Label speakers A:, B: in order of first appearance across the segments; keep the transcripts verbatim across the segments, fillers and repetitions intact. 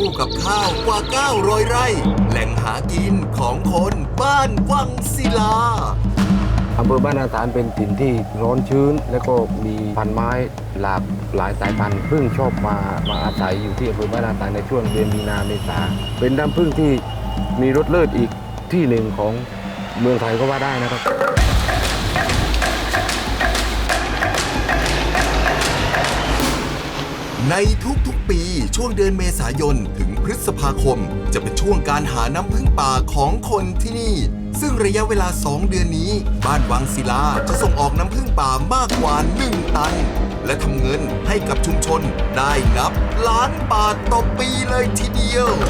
A: กับข้าวกว่าเก้าร้อยไร่แหล่งหากินของคนบ้านวังศิลา
B: อำเภอบ้านนาตาลเป็นถิ่นที่ร้อนชื้นและก็มีพันไม้หลากหลายสายพันธุ์พึ่งชอบมามาอาศัยอยู่ที่อำเภอบ้านนาตาลในช่วงเดือนมีนาเมษาเป็นน้ำพึ่งที่มีรสเลิศอีกที่หนึ่งของเมืองไทยก็ว่าได้นะครับ
A: ในทุกๆปีช่วงเดือนเมษายนถึงพฤษภาคมจะเป็นช่วงการหาน้ำผึ้งป่าของคนที่นี่ซึ่งระยะเวลาสองเดือนนี้บ้านวังศิลาจะส่งออกน้ำผึ้งป่ามากกว่าหนึ่งตันและทำเงินให้กับชุมชนได้นับล้านบาทต่อปีเลยทีเดียว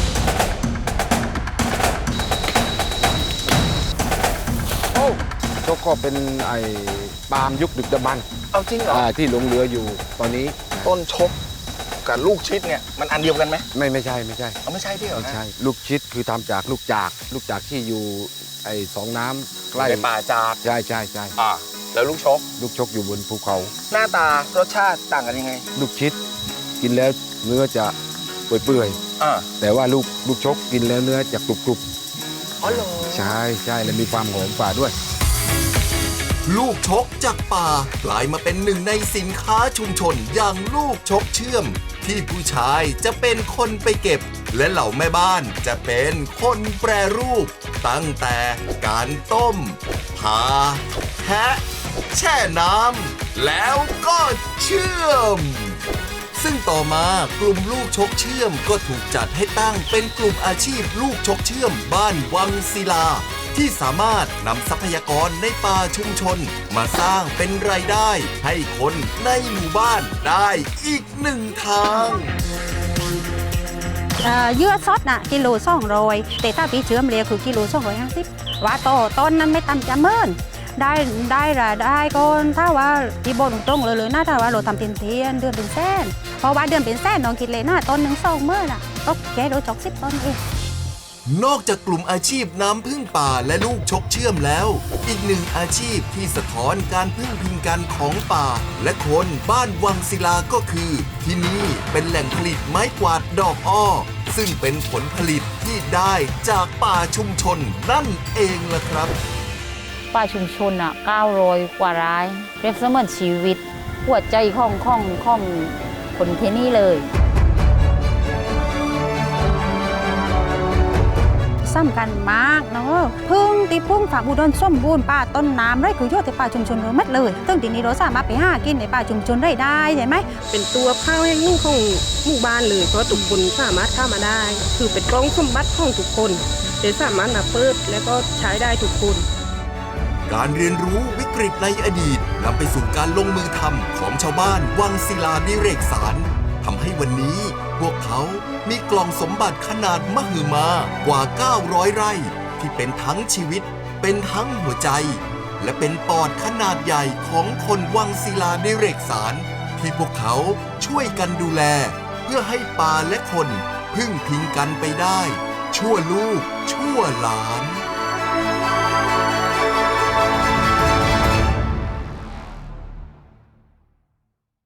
B: โอ้ก็เป็นไอ้ปาล์มยุคดึกดำบรรพ์
C: เอาจริงเหรอ
B: ที่หลงเหลืออยู่ตอนนี้
C: ต้นชกกับลูกชิดเนี่ยมันอันเดียวกันไหม
B: ไม่ไม่ใช่ไม่ใช่
C: เอาไม่ใช่ที่เหรอ
B: ไม่ใช่ลูกชิดคือทำจากลูกจากลูกจากที่อยู่ไอ้สองน้ำใกล้
C: ในป่าจาก
B: ใช่ใช่ใช่
C: อ่าแล้วลูกชก
B: ลูกชกอยู่บนภูเขา
C: หน้าตารสชาติต่างกันยังไง
B: ลูกชิดกินแล้วเนื้อจะเปื่อย
C: ๆอ่า
B: แต่ว่าลูกลูกชกกินแล้วเนื้อจะกรุบกรุบ
C: อ๋อเหรอ
B: ใช่ใช่และมีความหอมกว่าด้วย
A: ลูกชกจากป่ากลายมาเป็นหนึ่งในสินค้าชุมชนอย่างลูกชกเชื่อมที่ผู้ชายจะเป็นคนไปเก็บและเหล่าแม่บ้านจะเป็นคนแปรรูปตั้งแต่การต้มผ่าแทะแช่น้ำแล้วก็เชื่อมซึ่งต่อมากลุ่มลูกชกเชื่อมก็ถูกจัดให้ตั้งเป็นกลุ่มอาชีพลูกชกเชื่อมบ้านวังศิลาที่สามารถนำทรัพยากรในป่าชุมชนมาสร้างเป็นรายได้ให้คนในหมู่บ้านได้อีกหนึ่งทาง
D: เยื่อซดน่ะกิโลสองร้อยแต่ถ้าปีเชื่อมเรียคือกิโลสองร้อยห้าสิบว่าโตต้นนั้นไม่ต่ำจะเมินได้ได้ละได้ก็ถ้าว่าที่บนตรงเลยเลยนะถ้าว่าเราทำเป็นเทียนเดือนเป็นแสนเพราะว่าเดือนเป็นแสนน้องคิดเลยนะต้นหนึ่งสองเมื่อน่ะก็แค่โดยจอกสิบต้นเอง
A: นอกจากกลุ่มอาชีพน้ำพึ่งป่าและลูกชกเชื่อมแล้วอีกหนึ่งอาชีพที่สะท้อนการพึ่งพิงกันของป่าและคนบ้านวังศิลาก็คือที่นี่เป็นแหล่งผลิตไม้กวาดดอกอ้อซึ่งเป็นผลผลิตที่ได้จากป่าชุมชนนั่นเองล่ะครับ
E: ป่าชุมชนอ่ะเก้าร้อยกว่ารายเปรียบเสมือนชีวิตหัวใจของของของคนที่นี่เลย
D: สำคัญมากเนาะพึ่งตีพึ่งฝากอุดมสมบูรณ์ป่าต้นน้ำไรคือโยธในป่าชุมชนเราหมดเลยซึ่งทีนี้เราสามารถไปหากินในป่าชุมชนได้ได้ใช่ไหม
F: เป็นตัวข้าวแห้งของหมู่บ้านเลยเพราะทุกคนสามารถเข้ามาได้คือเป็นกล้องสมบัติของทุกคนเดี๋ยวสามารถมาเปิดและก็ใช้ได้ทุกคน
A: การเรียนรู้วิกฤตในอดีตนำไปสู่การลงมือทำของชาวบ้านวังศิลาดิเรกสารทำให้วันนี้พวกเขามีกล่องสมบัติขนาดมหึมากว่าเก้าร้อยไร่ที่เป็นทั้งชีวิตเป็นทั้งหัวใจและเป็นปอดขนาดใหญ่ของคนวังศิลาดิเรกสารที่พวกเขาช่วยกันดูแลเพื่อให้ป่าและคนพึ่งพิงกันไปได้ชั่วลูกชั่วหลาน